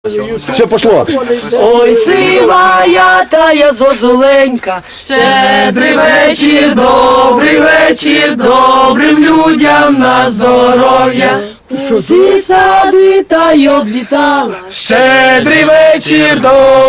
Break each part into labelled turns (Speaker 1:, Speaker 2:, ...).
Speaker 1: Все пошло.
Speaker 2: Ой, сивая тая зозуленька, щедрий вечір, добрим людям на здоров'я. Усі сади та й облітала.
Speaker 3: Щедрий вечір,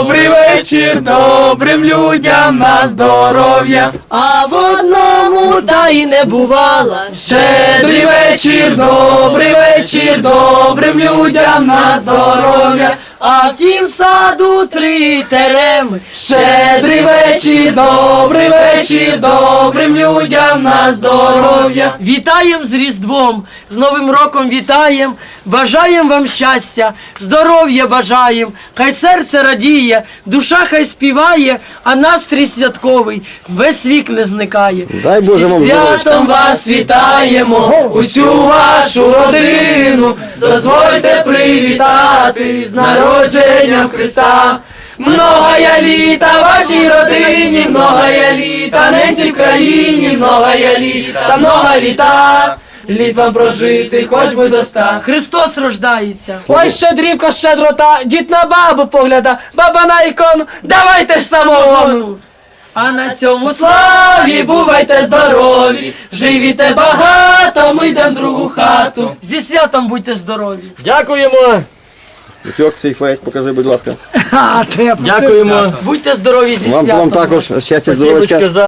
Speaker 3: добрим людям на здоров'я.
Speaker 2: А в одному та й не бувала.
Speaker 3: Щедрий вечір, добрим людям на здоров'я.
Speaker 2: А в тім саду 3 тереми.
Speaker 3: Щедрий вечір, добрим людям на здоров'я.
Speaker 2: Вітаєм з Різдвом, з Новим роком вітаєм, бажаєм вам щастя, здоров'я бажаєм, хай серце радіє, душа хай співає, а настрій святковий весь вік не зникає.
Speaker 1: Дай Боже вам
Speaker 2: Зі
Speaker 1: здоров'я.
Speaker 2: святом вас вітаємо, усю вашу родину, дозвольте привітати з народженням Христа. Многая літа вашій родині, многая літа ненці в країні, многая літа, літ вам прожити, хоч би до 100. Христос рождається.
Speaker 3: Ой, щедрівка, щедрота, дід на бабу погляда, баба на ікону, давайте ж самогону.
Speaker 2: А на цьому славі бувайте здорові, живіте багато, ми йдем в другу хату. Зі святом будьте здорові.
Speaker 3: Дякуємо.
Speaker 1: Вітьок, свій фейс, покажи, будь ласка.
Speaker 3: Дякуємо.
Speaker 2: Будьте здорові зі
Speaker 1: Вам
Speaker 2: святом.
Speaker 1: також щастя, здоров'ячка.